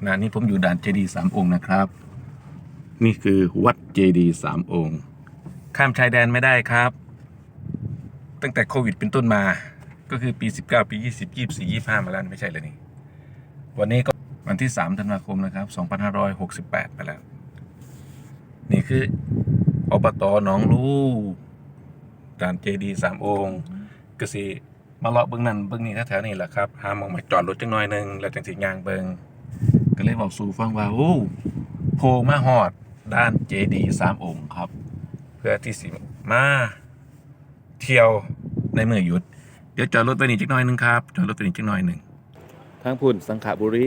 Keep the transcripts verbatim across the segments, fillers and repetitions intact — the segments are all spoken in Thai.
ณะนี้ผมอยู่ด่านเจดีย์สามองค์นะครับนี่คือวัดเจดีย์สามองค์ข้ามชายแดนไม่ได้ครับตั้งแต่โควิดเป็นต้นมาก็คือปีสิบเก้าปียี่สิบ ยี่สิบสี่ ยี่สิบห้ามาแล้วไม่ใช่เลยนี่วันนี้ก็วันที่สามธันวาคมนะครับสองพันห้าร้อยหกสิบแปดไปแล้วนี่คืออบต.หนองลูด่านเจดีย์สามองค์ก็สิมาเลาะเบื้องนั้นเบื้องนี้แถวๆนี้แหละครับหาหมองมาจอดรถจังหน่อยนึงแล้วจังสิย่างเบิ่งก็เลยบอกสู่ฟังว่าโอ้โพมาฮอดด้านเจดีย์สามองค์ครับเพื่อที่สิมาเที่ยวในเมื่อหยุดเดี๋ยวจอดรถไปนี่จักหน่อยนึงครับจอดรถไปนี่จักหน่อยนึงทางพุ่นสังขบุรี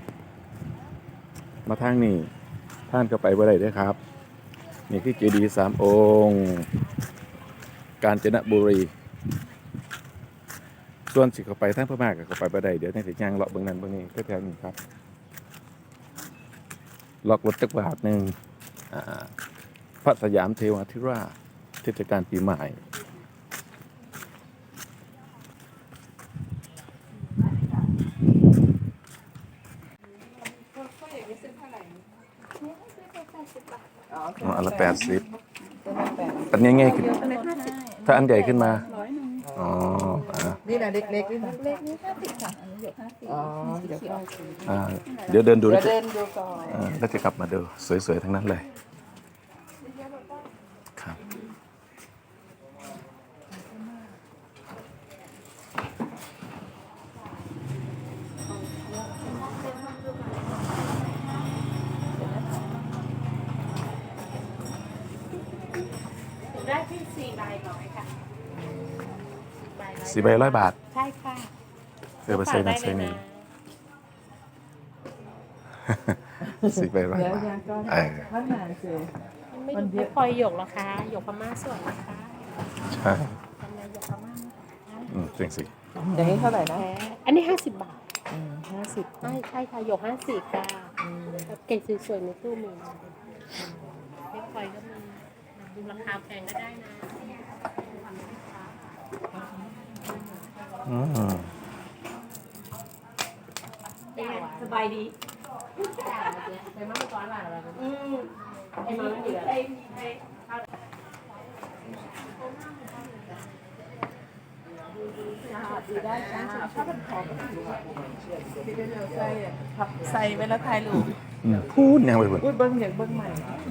มาทางนี้ท่านก็ไปบ่ได้เด้อครับนี่คือเจดีย์สามองค์กาญจนบุรีส่วนสิเข้าไปทางพม่าก็เข้าไปบ่ได้เดี๋ยวในสิย่างเลาะเบิ่งนั้นเบิ่งนี้แถวๆนี้ครับล็อกรถจักรบาทหนึ่งพระสยามเทวาธิราชเทศกาลปีใหม่อ๋ออันละแปดสิบอันง่ายๆคือถ้าอันใหญ่ขึ้นมาอ๋อนี่นะเล็กๆนี่นะเล็กนี่ห้าสิบค่ะอันนี้หยกห้าสิบอ๋อเดี๋ยวก็อ่าเดี๋ยวเดินดูเดี๋แล้ยว วจะเดินดูก่อนอ่าแล้วจะกลับมาดูสวยๆทั้งนั้นเลยครับได้ที่สี่ใบร้อยค่ะสี่ใบร้อยบาทใช่ค่ะเออไปใส่นั่นใส่นี่สี่ใบร้อยเดี๋ยวบาทยังก็เออท่านนานสิไม่ดูไม่คอยหยกหรอคะหยกพม่าสวยนะคะใช่ทำไมหยกพม่าอืมจริงสิอย่างนี้เท่าไหร่นะแท้อันนี้ห้าสิบบาทอืมห้าสิบใช่ใช่ค่ะหยกห้าสิบค่ะเก่งสวยๆในตู้มีไม่คอยก็มีดูราคาแพงก็ได้นะอืมสบายดีไปมาไม่ก้อนหลายอะไรอืมไอ้มาไม่เหลือไอ้ไอ้ดีได้จ้าถ้าเป็นของก็ถือว่าที่เป็นเราใส่พับใส่ไว้แล้วถ่ายรูปอืมพูดยังไปพุ่นพูดเบิ้งอย่างเบิ้งใหม่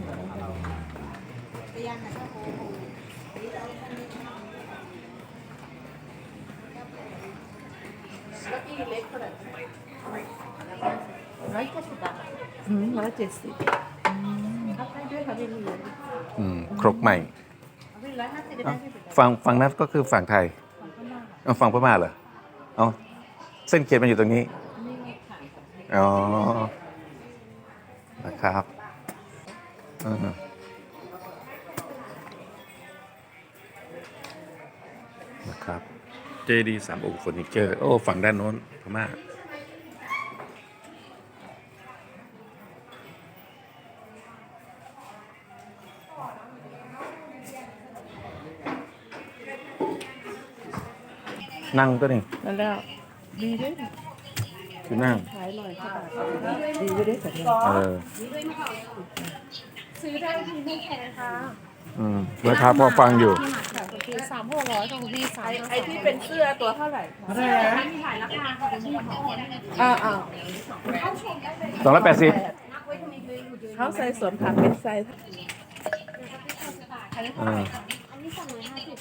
ร้อยเจ็ดสิบบาทอืมร้อยเจ็ดสิบรับได้ด้วยค่ะพี่ลีอืมครกใหม่ร้อยห้าสิบได้ที่สุดฝั่งฝั่งนั้นก็คือฝั่งไทยเอาฝั่งพม่าเหรอเอาเส้นเขียนมันอยู่ตรงนี้อ๋อนะครับอืมนะครับเจดีย์สามองค์เฟอร์นิเจอร์โอ้ฝั่งด้านโน้นพม่านั่งตัวนี้นั่นแล้วดีด้วยคือนั่งขายอร่อยค่ะดีด้วยสัญญาเออซื้อได้ที่ไม่แพงค่ะอืมราคาพอฟังอยู่คือสามหกร้อยของพี่สามไอ้ที่เป็นเสื้อตัวเท่าไหร่อะไรนะมีหลายราคาค่ะเป็นที่ของอ่าอ่าสองร้อยแปดสิบเขาใส่สวมผักเป็นไซส์อ่าอันนี้สองร้อยห้าสิบ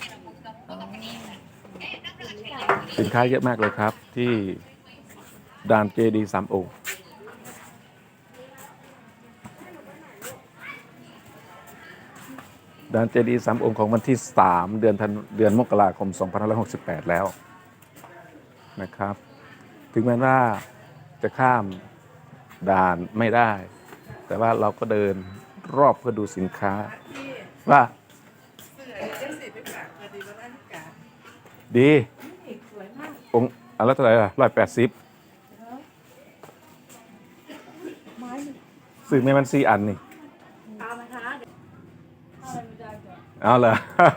สินค้าเยอะมากเลยครับ ที่ด่านเจดีย์สามองค์ด่านเจดีย์สามองค์ของวันที่สามเดือนธันเดือนมกราคมสองพันห้าร้อยหกสิบแปดแล้วนะครับ ถึงแม้ว่าจะข้ามด่านไม่ได้ แต่ว่าเราก็เดินรอบเพื่อดูสินค้าว่าดีองค์อันละเท่าไหร่ล่ะร้อยแปดสิบซื้อไม่มันสี่อันนี่เอาเหรอ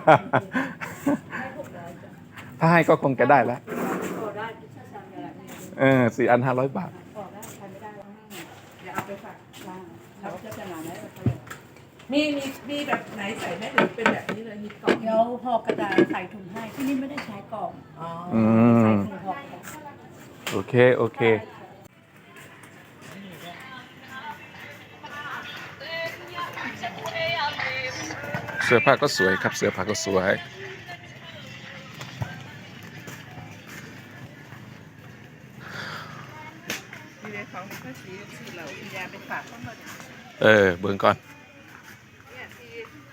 ถ้าให้ก็คงจะได้แล้วเออสี่อันห้าร้อยบาทครับจะขนาดไหนมีมีมีแบบไหนใส่ไหมหรือเป็นแบบนี้เลยมีกล่องเดี๋ยวห่อกระดาษใส่ถุงให้ที่นี่ไม่ได้ใช้กล่องอ๋ออืใส่มถุงห่อกระดาษโอเค โอเค เสื้อผ้าก็สวยครับ เสื้อผ้าก็สวยมีในของมีข้าวสีสีเหล่าสียาเป็นฝากเข้ามาเออ เบิ่งก่อนเนี่ยสี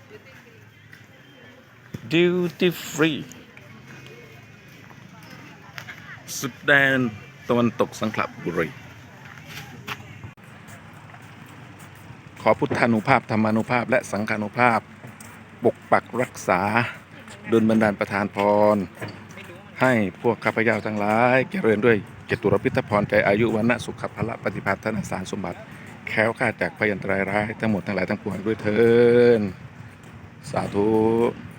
duty free สุดแดนตะวันตกสังขละบุรี ขอพุทธานุภาพ ธรรมานุภาพ และสังฆานุภาพ ปกปักรักษาดลบันดาลประทานพร ให้พวกข้าพเจ้าทั้งหลายเจริญด้วยเจตุรพิทพรใจอายุวันนะสุขภละปฏิภาณธนสารสมบัติ แค้วคลาดจากพยันตรายร้ายทั้งหมดทั้งหลายทั้งปวงด้วยเถินสาธุ